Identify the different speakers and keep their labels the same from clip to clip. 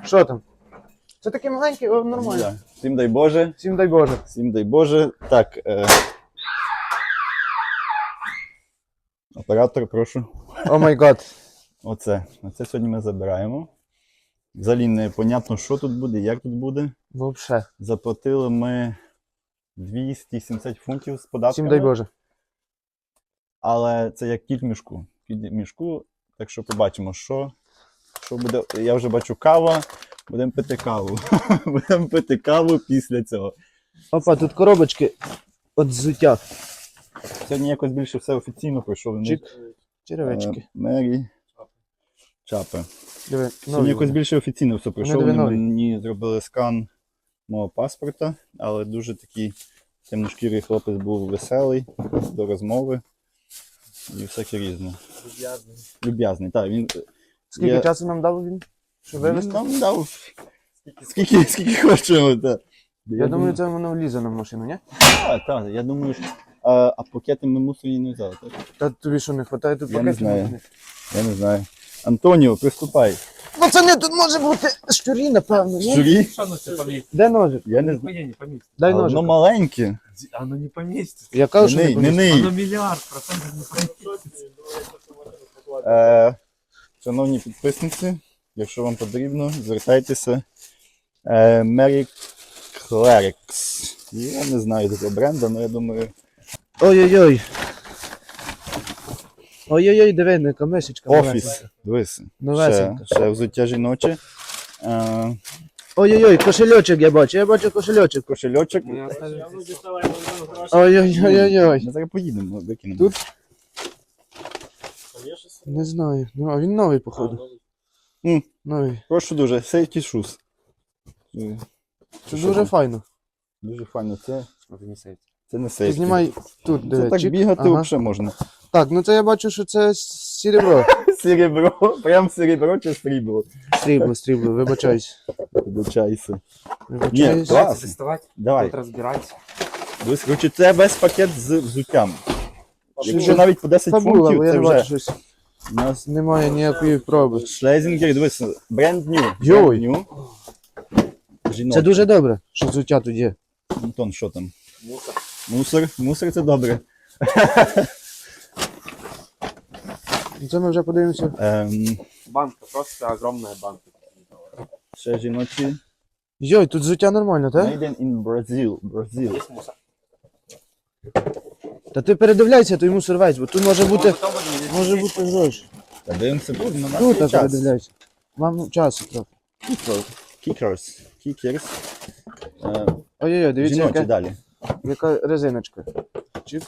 Speaker 1: Що там? Це такі маленькі, о, нормально.
Speaker 2: Да. Всім дай Боже.
Speaker 1: Всім дай Боже.
Speaker 2: Всім дай Боже. Так. Оператор, прошу.
Speaker 1: О май гад.
Speaker 2: Оце сьогодні ми забираємо. Взагалі не понятно, що тут буде, як тут буде.
Speaker 1: Вообще.
Speaker 2: Заплатили ми 270 фунтів з податками.
Speaker 1: Всім дай Боже.
Speaker 2: Але це як кіт в мішку. Кіт в мішку, так що побачимо, що буде. Я вже бачу кава, будемо пити каву. Будемо пити каву після цього.
Speaker 1: Опа, тут коробочки від взуття.
Speaker 2: Сьогодні якось більше все офіційно пройшов.
Speaker 1: Чик. Черевички.
Speaker 2: Мері. Чапи.
Speaker 1: Диви,
Speaker 2: Сьогодні якось більше офіційно все пройшов.
Speaker 1: диви,
Speaker 2: Вони
Speaker 1: нові.
Speaker 2: мені зробили скан мого паспорта, але дуже такий темношкірий хлопець був веселий до розмови і всяке різне. Люб'язний, так. Він,
Speaker 1: Скільки часу нам дав він? Щоб
Speaker 2: він
Speaker 1: вивезти?
Speaker 2: нам дав скільки хочемо. Так.
Speaker 1: Я думаю, це воно влізе на машину, ні?
Speaker 2: Так, я думаю, що... А пакети ми мусорі не взяли, так?
Speaker 1: Та тобі що, не вистачає тут
Speaker 2: Я не
Speaker 1: пакетів?
Speaker 2: знаю. Я не знаю. Антоніо, приступай.
Speaker 1: Пацани, тут може бути щурі, напевно, ні?
Speaker 2: Журі?
Speaker 3: Что оно себе поместится?
Speaker 1: Де ножик?
Speaker 2: Я не знаю.
Speaker 3: Нихуя не поместится.
Speaker 1: Дай
Speaker 2: Воно
Speaker 1: ножик.
Speaker 2: маленьке.
Speaker 3: Оно не поместится.
Speaker 1: Я кажу, що
Speaker 2: Не
Speaker 1: не
Speaker 2: ний,
Speaker 1: поміститься.
Speaker 2: не ний.
Speaker 3: Оно миллиард процентов не поместится.
Speaker 2: Шановні підписниці, якщо вам потрібно, звертайтеся. Mary Clerics. Я не знаю такого бренду, але я думаю...
Speaker 1: Ой-ой-ой. Ой-ой-ой, диви, не камешечка.
Speaker 2: Офіс. Дивися.
Speaker 1: Новесенька.
Speaker 2: Ще взуття жіноче.
Speaker 1: Ой-ой-ой, кошельочок я бачу кошельочок.
Speaker 2: Кошельочок.
Speaker 1: Ой-ой-ой-ой.
Speaker 2: Ми зараз поїдемо, викинемо.
Speaker 1: Тут? Не знаю. Ну, а він новий, походу. Новий.
Speaker 2: Прошу дуже, safety shoes.
Speaker 1: Це дуже файно.
Speaker 2: Дуже файно. Це не
Speaker 1: Ти
Speaker 2: safety.
Speaker 1: знімай тут,
Speaker 2: Це
Speaker 1: диви.
Speaker 2: так
Speaker 1: чик.
Speaker 2: бігати
Speaker 1: Ага.
Speaker 2: взагалі можна.
Speaker 1: Так, ну це я бачу, що це серебро.
Speaker 2: Серебро, прям серебро чи срібло.
Speaker 1: Срібло, вибачаюсь.
Speaker 2: Вибачайся. Ні,
Speaker 1: Вибачаюсь.
Speaker 2: клас.
Speaker 3: Давайте доставать,
Speaker 2: Давай.
Speaker 3: тут разбирать.
Speaker 2: Дивись, коротше, це весь пакет з взуттям. Якщо
Speaker 1: Що
Speaker 2: навіть по 10
Speaker 1: Фабула,
Speaker 2: фунтів,
Speaker 1: бо я
Speaker 2: це
Speaker 1: не бачу
Speaker 2: вже
Speaker 1: щось.
Speaker 2: у нас
Speaker 1: Немає ніякої проби.
Speaker 2: шлезінгер, дивись, brand new.
Speaker 1: Йой.
Speaker 2: Brand new. Жіночий.
Speaker 1: Це дуже добре, що взуття тут є.
Speaker 2: Антон, що там?
Speaker 3: Мусор.
Speaker 2: Мусор це добре.
Speaker 1: Це ми вже подивимося.
Speaker 3: Банка, просто огромная банка.
Speaker 2: Ще жіночі.
Speaker 1: Йой, тут взуття нормально, так?
Speaker 2: Made in Brazil. Brazil.
Speaker 3: Есть мусор.
Speaker 1: Та ти передивляйся, той мусор весь, бо тут може бути
Speaker 3: Потом будет
Speaker 1: гроші.
Speaker 2: Та дивимося, буде на
Speaker 1: Тут
Speaker 2: нас
Speaker 1: так
Speaker 2: час.
Speaker 1: передивляйся. Вам часу трохи.
Speaker 2: Kickers. Kickers.
Speaker 1: Ой-ой-ой, дивіться,
Speaker 2: Жіночі
Speaker 1: яка,
Speaker 2: далі.
Speaker 1: яка резиночка. Чик.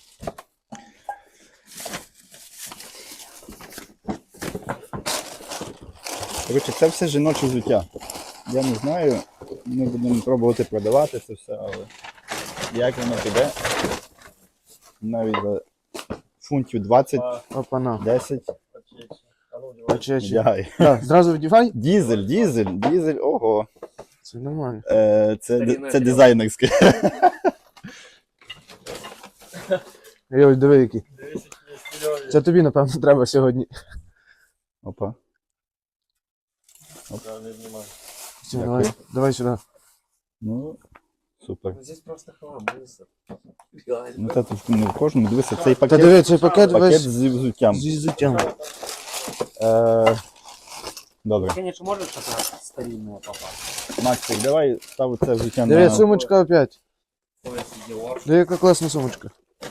Speaker 2: Коротше, це все жіноче взуття. Я не знаю, ми будемо пробувати продавати це все, але як воно піде, навіть за фунтів 20,
Speaker 1: Опана.
Speaker 2: 10,
Speaker 1: Очечі.
Speaker 2: вдягай.
Speaker 1: Так, зразу вдівай.
Speaker 2: Дізель, ого.
Speaker 1: Це нормально.
Speaker 2: Це дизайнерське.
Speaker 1: Ой, диви який. Це тобі, напевно, треба сьогодні.
Speaker 2: Опа.
Speaker 1: Все, давай сюди.
Speaker 2: Ну, супер.
Speaker 3: Здесь просто хлам, мусор.
Speaker 2: Ну це тут не в кожному, дивися, цей
Speaker 1: Та
Speaker 2: пакет,
Speaker 1: диви, цей пакет весь
Speaker 2: з взуттям.
Speaker 1: зі взуттям.
Speaker 2: Добре.
Speaker 3: Конечно, может что-то старинное попасть.
Speaker 2: Максик, давай став це взуття
Speaker 1: Диви,
Speaker 2: на...
Speaker 1: сумочка опять.
Speaker 3: Ой, Dior.
Speaker 1: Диви, яка класна сумочка.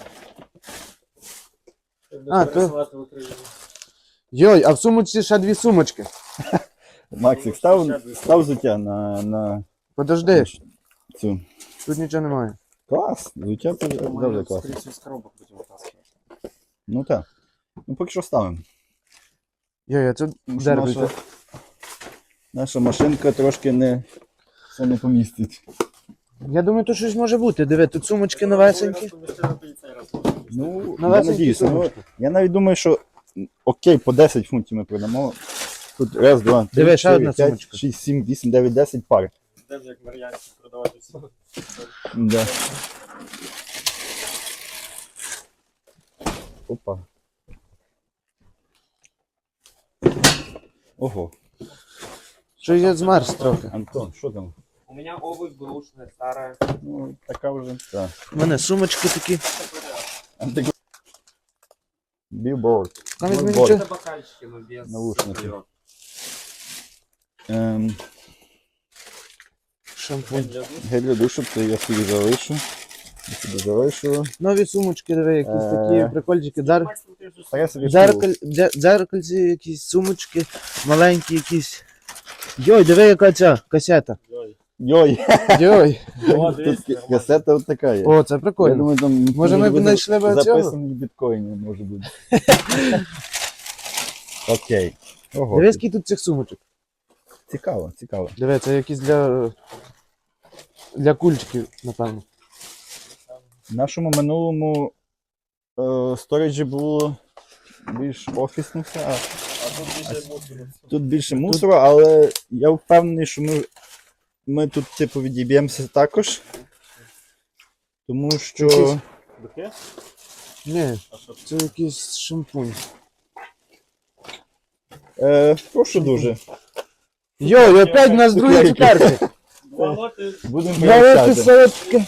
Speaker 1: А, то... Йой, а в сумочці ще дві сумочки.
Speaker 2: Максик, став взуття на
Speaker 1: Подожди,
Speaker 2: цю.
Speaker 1: тут нічого немає.
Speaker 2: Клас, взуття це завжди
Speaker 3: Мы,
Speaker 2: клас.
Speaker 3: скорее всего, из коробок будем вытаскивать.
Speaker 2: Ну так. Ну поки що ставимо.
Speaker 1: Йой, а це
Speaker 2: Тому що
Speaker 1: дербі.
Speaker 2: наша машинка трошки не все не помістить.
Speaker 1: Я думаю, тут щось може бути. Диви, тут сумочки новесенькі.
Speaker 2: Ну, я
Speaker 1: Новесенькі
Speaker 2: надіюся. Ну,
Speaker 1: сумочки.
Speaker 2: я навіть думаю, що окей, по 10 фунтів ми продамо. Тут раз, два, три,
Speaker 1: Диви, ще
Speaker 2: 4,
Speaker 1: одна
Speaker 2: 5,
Speaker 1: сумочка.
Speaker 2: 6, 7, 8, 9, 10 пар.
Speaker 3: Даже як варіант продавати все.
Speaker 2: Да. Опа. Ого.
Speaker 1: Що я змерз трохи.
Speaker 2: Антон, що там?
Speaker 3: У меня обувь грушная, старая.
Speaker 2: Ну, така вже. Так.
Speaker 1: У мене сумочки такі.
Speaker 2: Білборд.
Speaker 1: Там візьми
Speaker 2: Білборд.
Speaker 1: нічого.
Speaker 3: Это бокальчики, но без...
Speaker 2: Наушники.
Speaker 3: вперед.
Speaker 1: Шампунь.
Speaker 2: Гель для душу, це я собі залишу. Я собі залишу.
Speaker 1: Нові сумочки, диви, якісь такі прикольчики.
Speaker 3: Максим, ты же
Speaker 2: А я собі шкуру.
Speaker 1: Дзеркальці, якісь сумочки, маленькі якісь. Йой, диви, яка ця касета.
Speaker 2: Йой,
Speaker 1: Йой.
Speaker 2: тут касета от така є.
Speaker 1: О, це
Speaker 2: Я
Speaker 1: прикольно.
Speaker 2: думаю, там
Speaker 1: Може, ми б
Speaker 2: буде
Speaker 1: знайшли б цього?
Speaker 2: записані біткоїни, може бути. Окей. Ого.
Speaker 1: Диви, скільки тут цих сумочок.
Speaker 2: Цікаво, цікаво.
Speaker 1: Диви, це якісь для кульчиків, напевно.
Speaker 2: В нашому минулому сториджі було більш офісно все, а тут більше мусору, але я впевнений, що ми тут типу відіб'ємося також. Тому що
Speaker 1: Якісь-
Speaker 3: Букет?
Speaker 1: Ні, це якийсь шампунь.
Speaker 2: прошу дуже.
Speaker 1: Йой, опять у нас другі
Speaker 2: Цукерки.
Speaker 1: цукерки.
Speaker 3: Волоти.
Speaker 2: Будемо
Speaker 1: Давайте
Speaker 2: вирішати.
Speaker 1: солодке.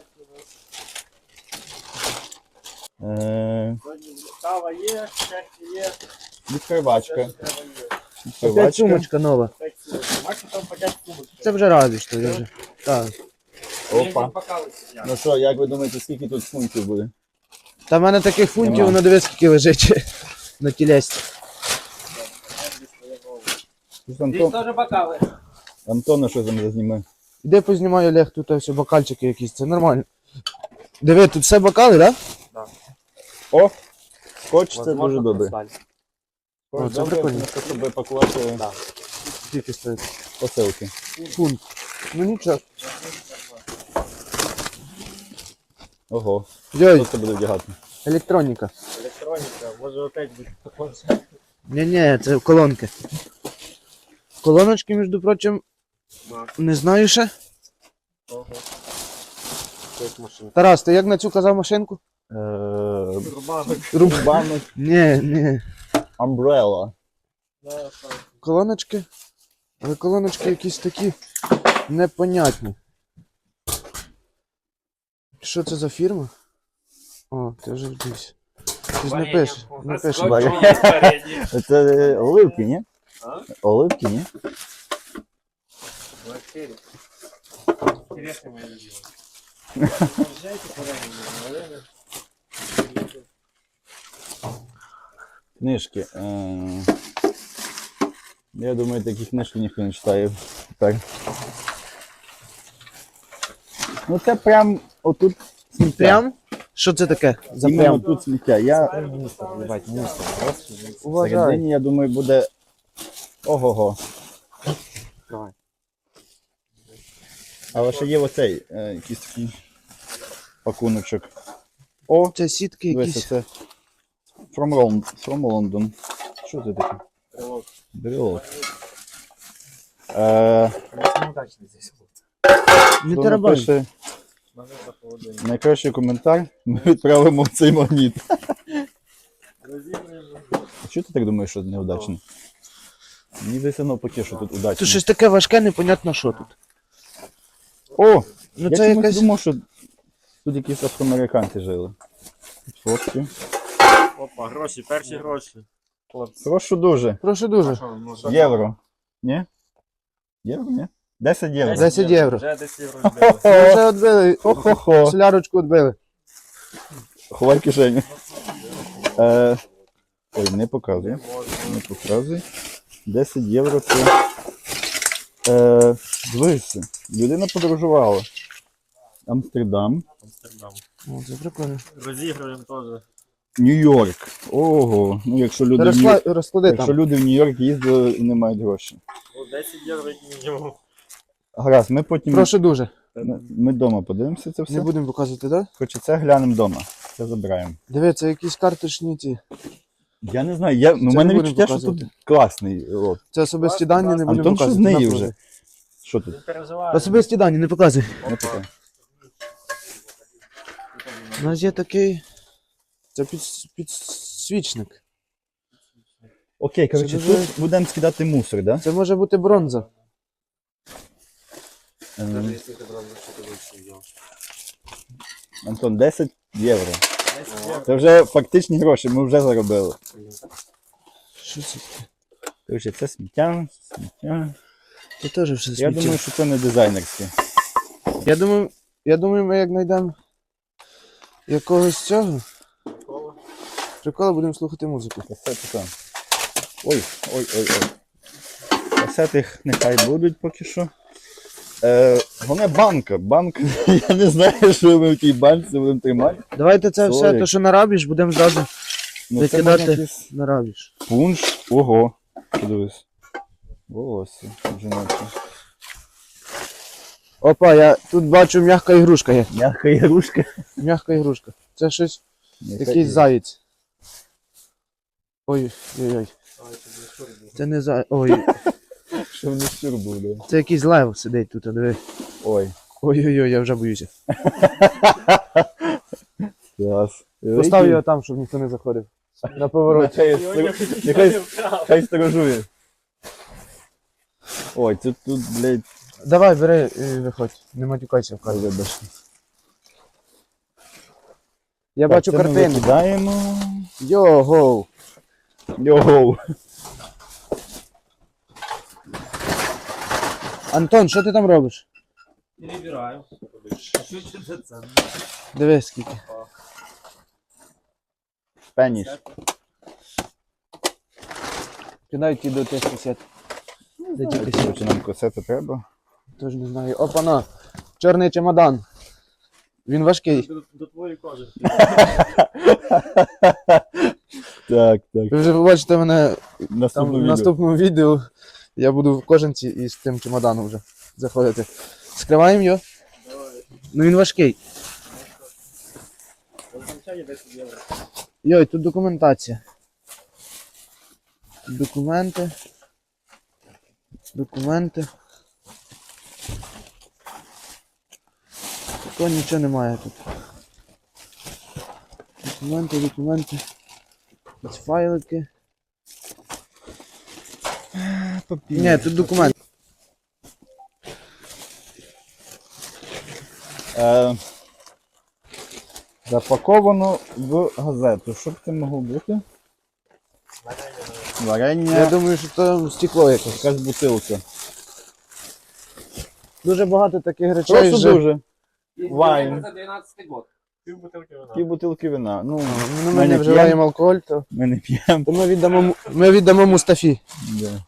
Speaker 3: Кава є, чашки є.
Speaker 2: Відкривачка.
Speaker 3: Треба є.
Speaker 1: Опять
Speaker 2: Відкривачка.
Speaker 1: сумочка нова.
Speaker 3: Так, Максим там по 5 сумочки.
Speaker 1: Це вже радий, що я вже. Так.
Speaker 2: Опа.
Speaker 3: Бокали сидять.
Speaker 2: Ну що, як ви думаєте, скільки тут фунтів буде?
Speaker 1: Та в мене таких фунтів,
Speaker 2: Нема.
Speaker 1: воно дивись, скільки лежить на тілесті.
Speaker 3: Здесь
Speaker 2: Антон,
Speaker 3: теж бокали.
Speaker 2: Антона що там зазніме?
Speaker 1: Іди познімаю, Олег, тут все бокальчики якісь, це нормально. Диви, тут все бокали, так?
Speaker 2: О! Скотч це
Speaker 3: Возможно,
Speaker 2: дуже добре.
Speaker 3: хрусталь.
Speaker 1: О, це
Speaker 2: Добре,
Speaker 1: прикольно.
Speaker 2: тому що, щоб пакувати
Speaker 3: Да.
Speaker 1: Скільки стоїть?
Speaker 2: посилки.
Speaker 1: Фунт. Ну нічого.
Speaker 2: Ого.
Speaker 1: Йой,
Speaker 2: Що це буде вдягати?
Speaker 1: електроніка.
Speaker 3: Електроніка, може опять бути також.
Speaker 1: Ні-ні, це колонки. Колоночки, між прочим, не знаю ще.
Speaker 3: Ого. Якась машина.
Speaker 1: Тарас, ти як на цю казав машинку?
Speaker 3: Рубанок.
Speaker 2: Рубанок
Speaker 1: Ні.
Speaker 2: Umbrella.
Speaker 3: Да, так.
Speaker 1: Колоночки. Але колоночки якісь такі непонятні. Що це за фірма? О, ти вже десь. Щось
Speaker 3: Варення.
Speaker 1: напише.
Speaker 3: У нас
Speaker 1: Напише.
Speaker 3: скотч
Speaker 2: Варення.
Speaker 3: є спереді.
Speaker 2: Це оливки, ні?
Speaker 3: А?
Speaker 2: Оливки, ні?
Speaker 3: Квартирі. Интересно моє любимое. Приезжайте куда-нибудь, наверное.
Speaker 2: Книжки. Я думаю, такі книжки ніхто не читає. Так. Ну це прям отут сміття.
Speaker 1: Прям? Що це таке? За
Speaker 2: Іменно
Speaker 1: прям?
Speaker 2: тут сміття. Я
Speaker 1: Уважай.
Speaker 2: всередині, я думаю, буде ого-го.
Speaker 3: Давай.
Speaker 2: Але ще є оцей, якийсь такий пакуночок. О,
Speaker 1: Це сітки
Speaker 2: дивися,
Speaker 1: якісь.
Speaker 2: це from London. Що це таке?
Speaker 3: Брелок.
Speaker 2: Брелок.
Speaker 3: Неудачный здесь вот.
Speaker 1: Не
Speaker 2: Хто
Speaker 1: тарабань.
Speaker 2: напише
Speaker 3: Надо за холодильник.
Speaker 2: найкращий коментар, ми відправимо в цей магніт. А чого ти так думаєш, що неудачно? Мені здається навпаки, що тут удачно.
Speaker 1: Тут щось таке важке, непонятно що тут.
Speaker 2: О!
Speaker 1: Ну
Speaker 2: Я
Speaker 1: це
Speaker 2: чомусь
Speaker 1: якась.
Speaker 2: думав, що тут якісь афроамериканці жили. Тут фотки.
Speaker 3: Опа, гроші, перші гроші. Хлопці.
Speaker 2: Прошу дуже.
Speaker 1: Прошу дуже.
Speaker 3: Що, ну, що?
Speaker 2: Євро. Ні? Євро, ні? 10 євро.
Speaker 1: 10 євро.
Speaker 3: Вже 10 євро збили.
Speaker 1: Ми вже відбили.
Speaker 2: Хо-хо-хо.
Speaker 1: Солярочку відбили.
Speaker 2: Ховай кишеню. Ой, не показуй. Не показуй. 10 євро це. Дивися. Людина подорожувала. Амстердам.
Speaker 3: Амстердам.
Speaker 1: О, це прикольно.
Speaker 3: Розігруємо теж.
Speaker 2: Нью-Йорк. Ого. Ну якщо люди, в Нью-
Speaker 1: Розклади
Speaker 2: якщо
Speaker 1: там.
Speaker 2: люди в Нью-Йорк їздили і не мають грошей.
Speaker 3: О, 10 євро як мінімум.
Speaker 2: Гаразд, ми потім.
Speaker 1: Прошу дуже.
Speaker 2: Ми вдома подивимося це все.
Speaker 1: Не будемо показувати, так?
Speaker 2: Хоча це глянемо вдома. Це забираємо.
Speaker 1: Дивіться, якісь карточні ці.
Speaker 2: Я не знаю, у
Speaker 1: Це
Speaker 2: мене
Speaker 1: не будемо
Speaker 2: відчуття, що тут
Speaker 1: показувати.
Speaker 2: класний лот.
Speaker 1: Це особисті дані, не будемо
Speaker 2: Антон, що з
Speaker 1: показувати.
Speaker 2: неї
Speaker 1: На
Speaker 2: вже?
Speaker 1: проти.
Speaker 2: Що тут?
Speaker 3: Не переживай.
Speaker 1: Особисті дані, не показуй.
Speaker 2: Не таке.
Speaker 1: У нас є такий. Це підсвічник.
Speaker 2: Окей, коротше,
Speaker 1: Це дуже-
Speaker 2: тут будемо скидати мусор, да?
Speaker 1: Це може бути бронза.
Speaker 3: Навіть якщо ти брав за що ти вийшов, йо.
Speaker 2: Антон, 10 євро.
Speaker 3: 10 євро.
Speaker 2: Це вже фактичні гроші, ми вже заробили.
Speaker 1: Що це таке?
Speaker 2: Короче, це сміття.
Speaker 1: Це теж все
Speaker 2: Я
Speaker 1: сміття.
Speaker 2: думаю, що це не дизайнерське.
Speaker 1: Я думаю, ми як знайдемо якогось цього прикола, будемо слухати музику.
Speaker 2: Касети там. Ой. Касети нехай будуть поки що. Головне банка. Банк, я не знаю, що ми в тій банці будемо тримати.
Speaker 1: Давайте це все,
Speaker 2: Солик.
Speaker 1: то що нарабіш, будемо зразу
Speaker 2: Ну, це
Speaker 1: викидати
Speaker 2: можна якийсь
Speaker 1: нарабіш.
Speaker 2: пунш. Ого. Подивись. Волосся. Жіночі.
Speaker 1: Опа, тут бачу м'яка ігрушка є.
Speaker 2: М'яка ігрушка.
Speaker 1: М'яка ігрушка. Це якийсь заєць. Ой-ой-ой. Це не заєць. Ой,
Speaker 2: Що в них щур був, да?
Speaker 1: це якийсь лев сидить тут, диви.
Speaker 2: Ой.
Speaker 1: Ой-ой-ой, я вже боюся.
Speaker 2: Клас.
Speaker 1: Постав його там, щоб ніхто не заходив. На повороті.
Speaker 2: Хай сторожує. Ой, тут, блядь,
Speaker 1: Давай, бери і виходь. Не матюкайся в кадр.
Speaker 2: вибач.
Speaker 1: Я бачу
Speaker 2: Це ми
Speaker 1: картину.
Speaker 2: викидаємо.
Speaker 1: Його.
Speaker 2: Йоу.
Speaker 1: Антон, що ти там робиш?
Speaker 3: Перебираю. Що це це?
Speaker 1: Дивись скільки.
Speaker 2: Пеніш.
Speaker 1: Кидай ті до тих касет. Де ті касети?
Speaker 2: Чи нам касети треба?
Speaker 1: Тож не знаю. Опана. Чорний чемодан. Він важкий.
Speaker 3: До твоєї кожи.
Speaker 2: Так.
Speaker 1: Ви вже побачите мене там в
Speaker 2: Наступне відео.
Speaker 1: наступному відео. Я буду в кожанці із тим чемоданом вже заходити. Скриваємо його. Ну він важкий.
Speaker 3: Означає 10 євро.
Speaker 1: Йой, тут документація. Тут документи. Такого нічого немає тут. Документи. Ось файлики. Ні, тут документи.
Speaker 2: Запаковано в газету. Що б це могло бути? Варення.
Speaker 1: Я думаю, що там стекло якесь.
Speaker 2: Якась бутилка.
Speaker 1: Дуже багато таких речей.
Speaker 2: Просто
Speaker 1: вже-
Speaker 2: дуже. Вайн.
Speaker 4: За 12 год.
Speaker 3: Пів бутилки вина.
Speaker 2: Пів бутилки вина. Ну,
Speaker 1: Ну, ми не вживаємо алкоголь, то
Speaker 2: Ми не п'ємо.
Speaker 1: ми віддамо Мустафі.
Speaker 2: Да.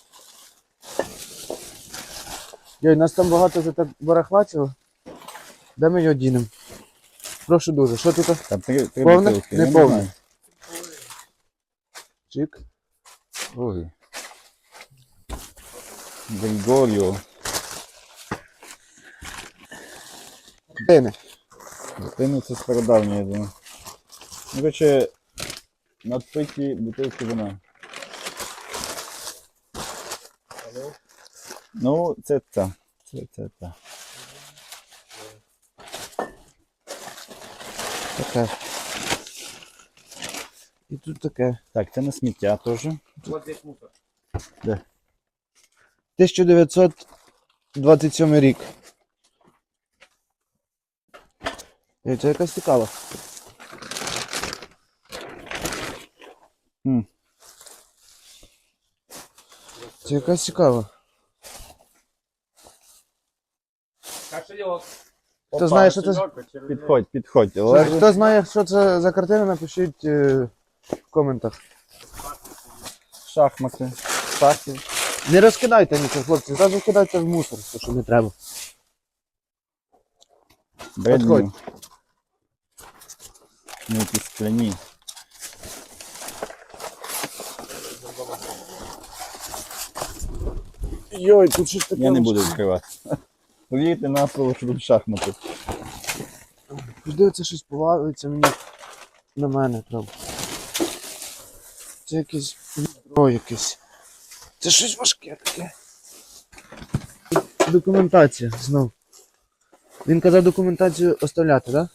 Speaker 1: Йой, нас там багато вже так барахла цього. Де ми його дінемо? Прошу дуже. Що тут?
Speaker 2: Там три
Speaker 1: Повне?
Speaker 2: бутилки.
Speaker 1: Не
Speaker 2: я
Speaker 1: повне.
Speaker 2: знаю.
Speaker 1: Чик.
Speaker 2: Ой. Григоріо.
Speaker 1: Пини.
Speaker 2: Дитину це стародавнє, я думаю. Ну, короче, надпиті бутилки вина. Ну, це та. Це та.
Speaker 1: Таке. І тут таке.
Speaker 2: Так, це на сміття теж.
Speaker 3: Вот здесь мусор.
Speaker 1: 1927 рік. Ей, це якась цікава. Це якась цікава.
Speaker 4: Кошелек.
Speaker 1: Хто знає, що це?
Speaker 2: Підходь. Олег.
Speaker 1: Хто знає, що це за картина, напишіть в коментах.
Speaker 2: Шахмати. Шахи.
Speaker 1: Не розкидайте нічого, хлопці, зразу кидайте в мусор, то що не треба.
Speaker 2: Бредні. Ну, якісь скляні.
Speaker 1: Йой, тут щось таке.
Speaker 2: Я не буду відкривати. Повірте на слово, що тут шахмати.
Speaker 1: Жди, це щось повалиться мені на мене, правда. Це якесь відро якесь. Це щось важке таке. Документація знов. Він казав документацію оставляти, так?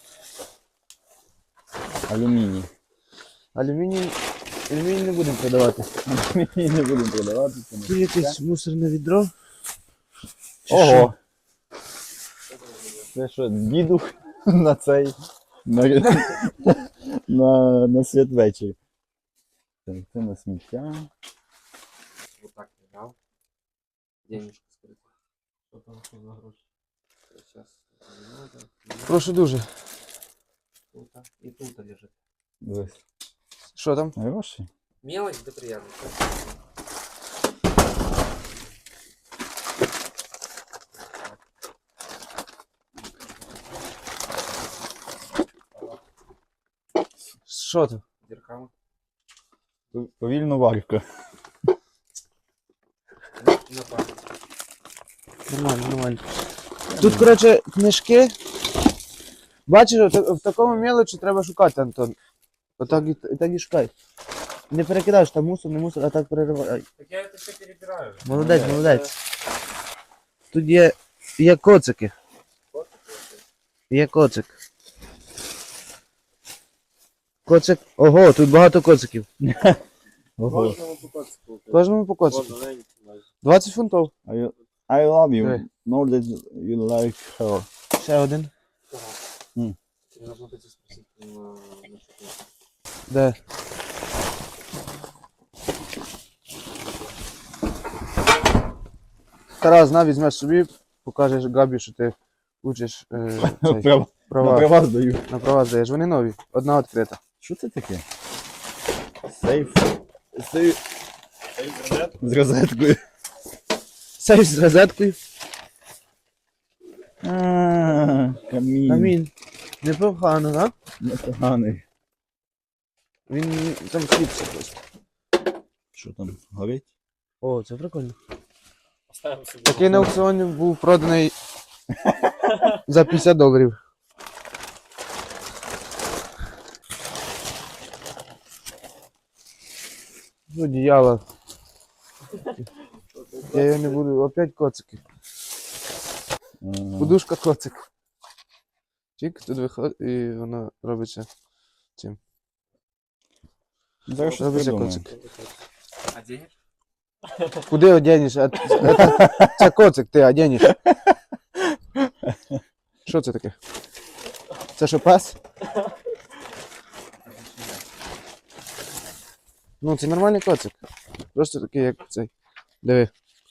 Speaker 2: Алюміній.
Speaker 1: Алюміній не будемо продавати.
Speaker 2: Алюміній не будемо продавати. Це не
Speaker 1: Тут якесь мусорне відро. Чи
Speaker 2: Ого! Це що, дідух на цей, на святвечір. Так, це на сміття.
Speaker 4: Вот так не дав. Денежку скрити. Що там що за гроші? Сейчас.
Speaker 1: Прошу дуже.
Speaker 4: Тут і тут лежить.
Speaker 2: Дивись.
Speaker 1: Що там?
Speaker 2: Гроші?
Speaker 4: Мелочь, да приятно.
Speaker 1: Що там?
Speaker 4: Дірками.
Speaker 2: Повільно варка.
Speaker 4: На пам'ять.
Speaker 1: Нормально, нормально. Тут, коротше, книжки. Бачиш, в такому мелочі треба шукати, Антон. Отак і так і шукай. Не перекидаєш там мусор, не мусор, а так переривай.
Speaker 4: Так я це все перебираю.
Speaker 1: Молодець, молодець. Тут є коцики. Є коцик. Коцик. Ого, тут багато коциків.
Speaker 2: Ого.
Speaker 3: Кожному по коцику.
Speaker 1: Кожному по коцику. 20 фунтів.
Speaker 2: I love you.
Speaker 1: Диви.
Speaker 2: Know that you like her.
Speaker 1: Ще один.
Speaker 4: Тебе нужно пойти спросить на что-то.
Speaker 1: Де? Тарас, на, візьмеш собі, покажеш Габі, що ти учиш цей,
Speaker 2: Права.
Speaker 1: права.
Speaker 2: На права здаю.
Speaker 1: На права здаєш. Вони нові. Одна відкрита.
Speaker 2: Що це таке? Сейф. Сейф. З розеткою.
Speaker 1: Сейф з розеткою.
Speaker 2: Камінь.
Speaker 1: Камін. Непогано, так?
Speaker 2: Непоганий.
Speaker 1: Він там сліпся просто.
Speaker 2: Що там, горить?
Speaker 1: О, це прикольно.
Speaker 3: Поставимо собі.
Speaker 1: Такий на аукціоні був проданий за $50. Ну, діяло. Я його не буду. Опять коцики. Подушка коцик. Чик, тут виходить і воно робиться цим.
Speaker 2: Зараз щось
Speaker 1: Робиться
Speaker 2: придумаємо.
Speaker 1: коцик.
Speaker 4: А денег?
Speaker 1: Куди одягнеш? Це коцик, ти одягнеш. Що це таке? Це що, пес? Ну, це нормальний коцик. Просто такий, як цей. Диви.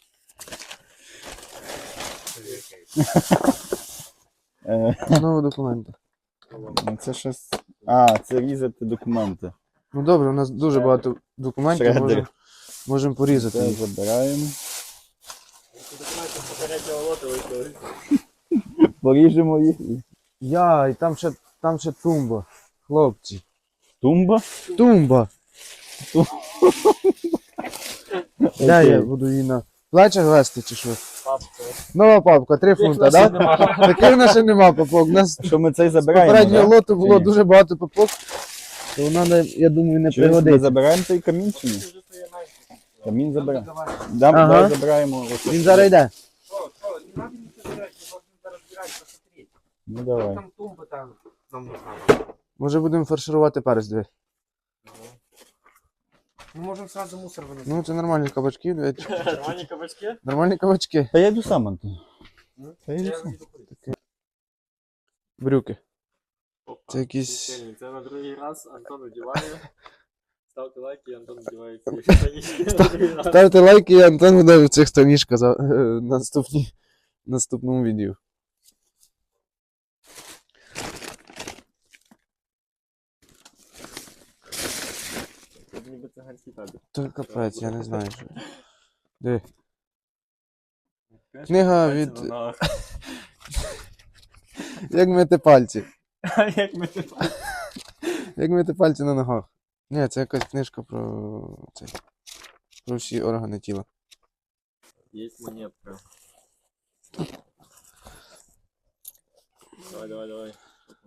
Speaker 1: Знову документи.
Speaker 2: Ну, це щось. А, це різати документи.
Speaker 1: Ну добре, у нас дуже багато документів,
Speaker 2: Шредер.
Speaker 1: можемо порізати
Speaker 2: Це
Speaker 1: їх.
Speaker 2: забираємо.
Speaker 3: Документи з попереднього лоту виклали.
Speaker 2: Поріжемо їх.
Speaker 1: І там ще тумба. Хлопці.
Speaker 2: Тумба.
Speaker 1: Тумба! Де я буду її на плечах вести чи що?
Speaker 3: Папка.
Speaker 1: Нова папка, 3 фунта, так? Да? Таких в нас ще нема папок. У нас
Speaker 2: Що ми цей
Speaker 1: з
Speaker 2: забираємо?
Speaker 1: попереднього
Speaker 2: да?
Speaker 1: лоту
Speaker 2: Чи
Speaker 1: було
Speaker 2: ні?
Speaker 1: дуже багато папок. То вона, я думаю, не
Speaker 2: Чи ми
Speaker 1: пригодиться.
Speaker 2: забираємо цей камінь чи ні? Камінь забираємо.
Speaker 4: Давай.
Speaker 2: Давай
Speaker 1: Ага.
Speaker 2: забираємо.
Speaker 1: Він зараз йде.
Speaker 4: Что, не надо ничего собирать, мы должны разбирать, посмотреть.
Speaker 2: Ну давай.
Speaker 4: Там тумба там нам нужна.
Speaker 1: Може будемо фарширувати перець, диви.
Speaker 4: Мы можем сразу мусор выносить.
Speaker 1: Ну це нормальні кабачки, диви.
Speaker 3: Нормальні кабачки?
Speaker 1: Нормальні кабачки.
Speaker 2: Та я йду сам, Антон. Та я йду
Speaker 4: Я
Speaker 2: сам.
Speaker 4: иду курить.
Speaker 1: Брюки.
Speaker 3: Опа.
Speaker 1: Це якісь-
Speaker 3: Прикольно. Це на другий раз Антон одягає. Ставте лайки, і Антон одягає ці штанішки на другий раз.
Speaker 1: Ставте лайки, і Антон буде в цих штанішках за наступному відео.
Speaker 3: Це ніби циганський табір.
Speaker 1: То капець, я не знаю. Що. Диви. Книга
Speaker 3: Пальці
Speaker 1: від-
Speaker 3: на ногах.
Speaker 1: Як мити пальці.
Speaker 3: А як ми типу.
Speaker 1: Як мити пальці на ногах. Ні, це якась книжка про цей. Про всі органи тіла.
Speaker 3: Є монетка. Давай.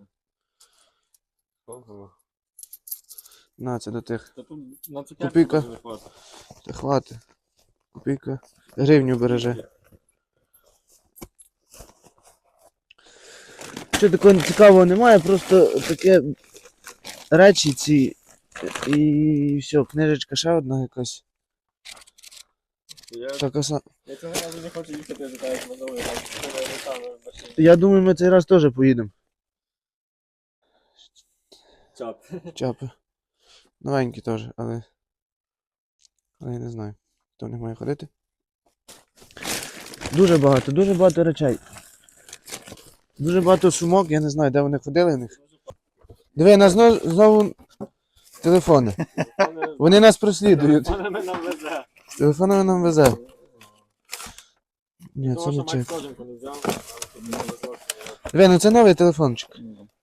Speaker 4: Ого.
Speaker 1: На, це до тих.
Speaker 3: Та тут на цукерку
Speaker 1: Копійка.
Speaker 3: дуже не хватить.
Speaker 1: Та хвати. Копійка. Гривню береже. Що такого цікавого немає, просто таке речі ці. І все, книжечка ще одна якась.
Speaker 3: Я
Speaker 1: Така сама.
Speaker 3: цього разу не хочу їхати, я так минулий раз. Це не саме машина.
Speaker 1: Я думаю, ми цей раз теж поїдемо.
Speaker 3: Чап.
Speaker 1: Чапи. Новенькі теж, але я не знаю, хто в них має ходити. Дуже багато речей. Дуже багато сумок, я не знаю, де вони ходили в них. Диви, нас знову телефони. Вони нас прослідують.
Speaker 3: Вона нам везе.
Speaker 1: Телефонами нам везе. Ні, це
Speaker 3: Тому що
Speaker 1: не
Speaker 3: Макс
Speaker 1: чек.
Speaker 3: коженку не взяв, але тут не везло.
Speaker 1: Диви, ну це новий телефончик.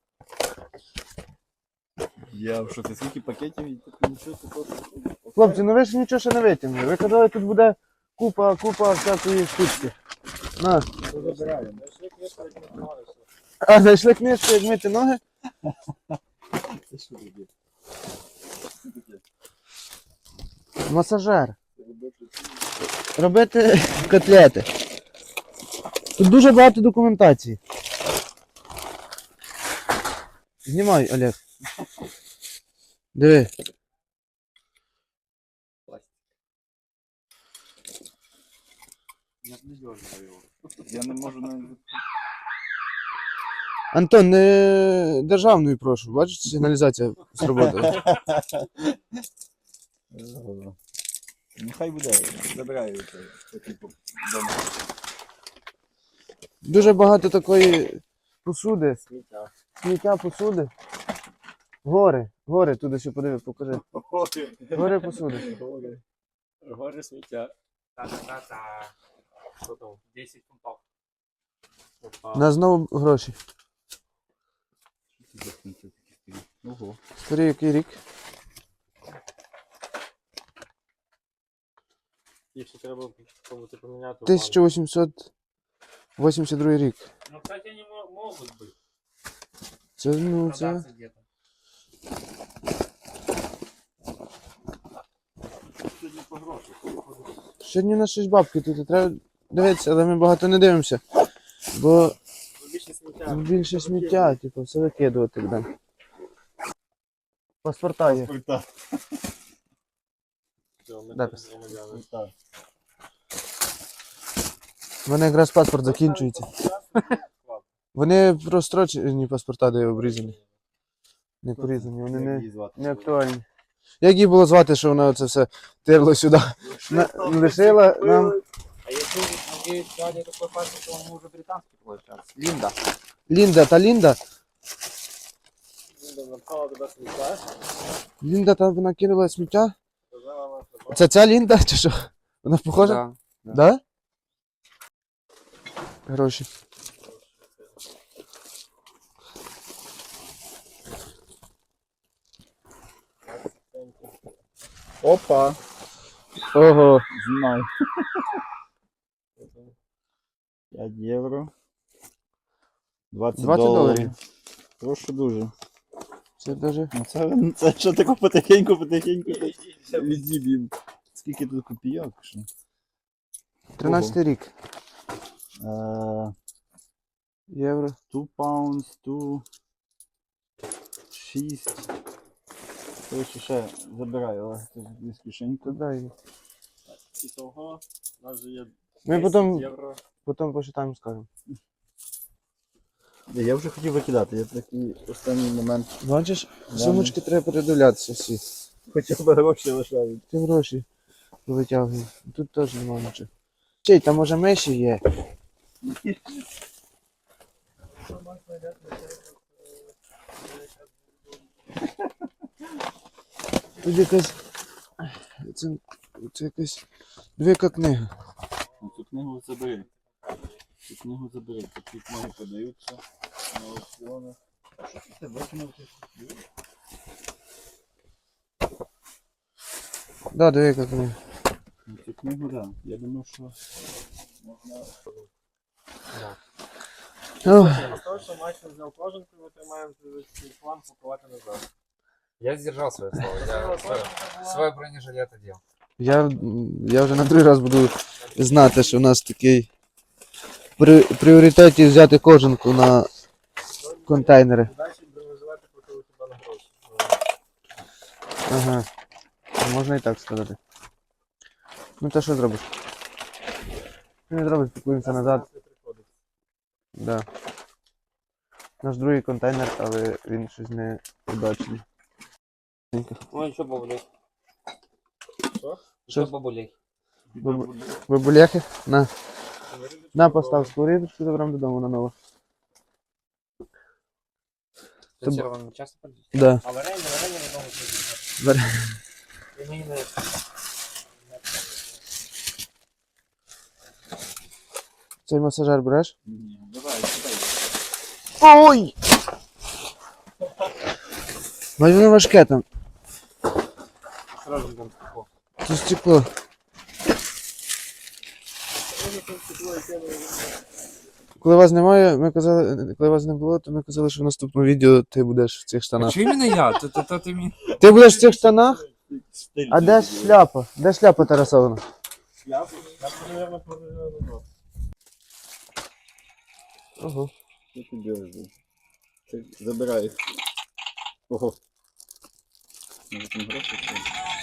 Speaker 2: Я в шоці, скільки пакетів і тут нічого такого.
Speaker 1: Хлопці, ну ви ж нічого ще не витягнули. Ви казали, тут буде купа всякої штучки. На.
Speaker 2: Забираємо.
Speaker 3: Знайшли книжку, як ми знали, що
Speaker 1: А, знайшли книжку, як мити ноги?
Speaker 2: Це що таке?
Speaker 1: Масажер. Робити котлети. Тут дуже багато документації. Знімай, Олег. Диви.
Speaker 3: я б не дьорнув його.
Speaker 2: Я не можу навіть.
Speaker 1: Антон, не державною прошу. Бачиш, сигналізація сработала.
Speaker 2: Нехай буде, забираю це типу дома.
Speaker 1: Дуже багато такої посуди.
Speaker 3: Сміття.
Speaker 1: Сміття посуди. Гори, туди ще подиви, покажи. Гори посуди.
Speaker 3: Гори сміття.
Speaker 4: Та-та-та-та. Що там? 10 фунтов.
Speaker 3: Опа.
Speaker 1: На знову гроші.
Speaker 2: Ого.
Speaker 1: Старий який рік?
Speaker 3: Їх ще треба кому-то поміняти.
Speaker 1: 1882 рік.
Speaker 4: Ну, кстати, они могут быть.
Speaker 1: Це, ну, це...
Speaker 4: Продаться где-то.
Speaker 3: Сьогодні по грошах.
Speaker 1: Сьогодні у нас щось бабки тут треба дивитися, але ми багато не дивимося. Бо
Speaker 3: Більше сміття.
Speaker 1: більше сміття, типу, все викидувати будемо. Паспорта є.
Speaker 3: Все, ми
Speaker 1: Да,
Speaker 3: тут
Speaker 1: пос-
Speaker 3: громадяни.
Speaker 1: У мене якраз паспорт закінчується. Вони прострочені паспорта, де обрізані. Не порізані, вони не актуальні. Як її було звати, що вона це все тирло сюди? Лишила нам
Speaker 4: А если надеюсь, дядя такой паспорт, то он уже британский получается. Линда.
Speaker 1: Лінда та Лінда.
Speaker 3: Лінда напхала туди сміття.
Speaker 1: Лінда там вона кинула сміття.
Speaker 3: Сказала нам, що
Speaker 1: Це ця Лінда чи що? Вона похожа? Да? Гроші.
Speaker 2: Опа,
Speaker 1: Ого.
Speaker 2: знай. 5 євро. 20
Speaker 1: $20.
Speaker 2: доларів. Прошу дуже.
Speaker 1: Це даже.
Speaker 2: Ну це що таке потихеньку відзіб'ємо. Скільки тут копійок? Що?
Speaker 1: 13 рік. Євро.
Speaker 2: 2 pounds, 2, 6. Короче, ще забираю, але це з кишеньку.
Speaker 1: Дай.
Speaker 3: і того у нас же є
Speaker 1: Ми
Speaker 3: 10 євро.
Speaker 1: потім посчитаємо, скажемо.
Speaker 2: Я вже хотів викидати, я такий останній момент.
Speaker 1: Бачиш,
Speaker 2: Да,
Speaker 1: сумочки треба передивлятися всі.
Speaker 2: Хоча б гроші лишають.
Speaker 1: Ти гроші витягуй. Тут теж немає нічого. Чей, там може миші є. Тут якась. Це якась. Двіка книга.
Speaker 2: Цю книгу забери. Цю книгу забери. Такі книги подаються на аукціонах. Що ти викинув?
Speaker 1: Да, двіка книга.
Speaker 2: Цю книгу, так. Я думав, що можна.
Speaker 1: Ох,
Speaker 3: З того, що Макс не взяв коженку, ми тримаємо цей план пакувати назад.
Speaker 4: Я сдержал свое слово. Я свой бронежилет одел.
Speaker 1: я вже на другий раз буду знати, що у нас такий пріоритеті взяти кожанку на контейнери.
Speaker 3: Далі бронежилети платили хіба на гроші.
Speaker 1: Ага. Можна і так сказати. Ну та що зробиш? Що не зробиш, пакуємося назад. Да. Наш другий контейнер, але він щось не удачний.
Speaker 4: Ой, що бабулей?
Speaker 3: Що?
Speaker 4: Що бабулей?
Speaker 1: Бабуляхи? На. На, постав сковорідочку, заберемо додому на нову.
Speaker 4: Це червоним часто пользуєшся?
Speaker 1: Да.
Speaker 3: А варення в одному
Speaker 1: Вар-
Speaker 3: І мені не...
Speaker 1: Цей масажер береш?
Speaker 2: Ні, давай, читай.
Speaker 1: Ой! Бать, воно важке там.
Speaker 3: Сразу там стекло.
Speaker 1: Це стекло. Коли вас немає, ми казали, коли вас не було, то ми казали, що в наступному відео ти будеш в цих штанах.
Speaker 4: Чого іменно я? То ти мені...
Speaker 1: Ти будеш в цих штанах? А де ж шляпа? Де шляпа Тарасовна?
Speaker 3: Шляпу? Шляпу, наверное, продаю.
Speaker 1: Ого.
Speaker 2: Що ти робиш? Ти забирай. Ого. Може там гроші? Чи?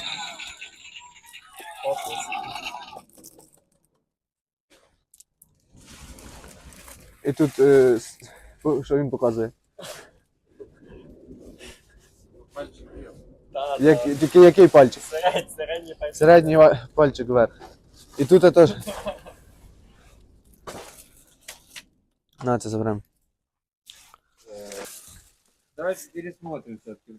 Speaker 1: І тут, що він показує?
Speaker 3: Пальчик. Да,
Speaker 1: Тільки який пальчик?
Speaker 3: середній пальчик.
Speaker 1: Середній пальчик вверх. І тут теж. На, це заберемо.
Speaker 4: Давайте пересмотрим все-таки.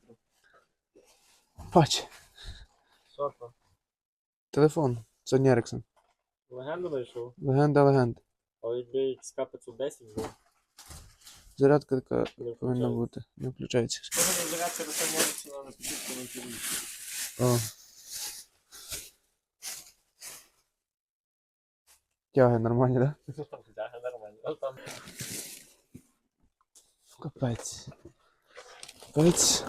Speaker 1: Бач.
Speaker 3: Що то?
Speaker 1: Телефон. Sony Ericsson.
Speaker 3: Легенду знайшов?
Speaker 1: Легенда легенд.
Speaker 3: А якби XK 510 був,
Speaker 1: Зарядка така
Speaker 3: не
Speaker 1: повинна
Speaker 3: включається.
Speaker 1: бути. Не включається.
Speaker 3: Можна зарядка до самого на підписку на TV.
Speaker 1: О. Тяги нормальні, да?
Speaker 3: Да, нормально. А там
Speaker 1: Капець. Капець.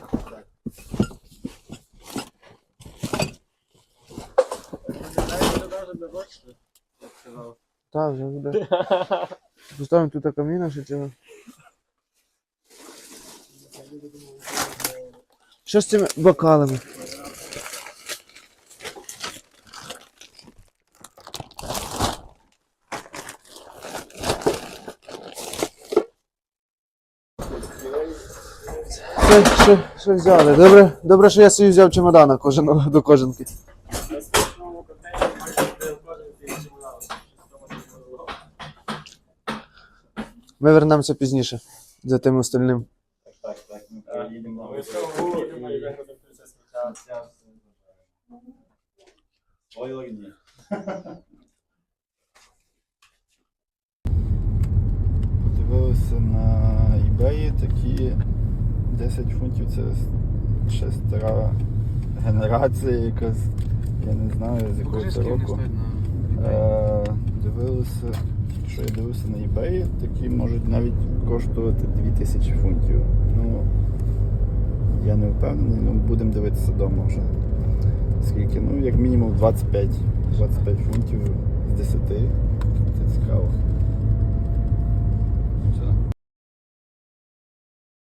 Speaker 3: навіть не бачите, як сказав.
Speaker 1: Та, вже буде. Поставимо тут каміна, ще цього. Що з цими бокалами? Що взяли? Добре, що я собі взяв чемодана до кожанки. Ми вернемося пізніше за тим остальним.
Speaker 2: Так, ми поїдемо. Ой, лагні. Подивилися на eBay такі 10 фунтів, це ще стара генерація якась, я не знаю з якого це року. Дивилися, що я дивився на eBay, такі можуть навіть коштувати 2000 фунтів. Ну, я не впевнений, ну будемо дивитися вдома вже. Скільки? Ну, як мінімум 25 фунтів з 10. Це цікаво.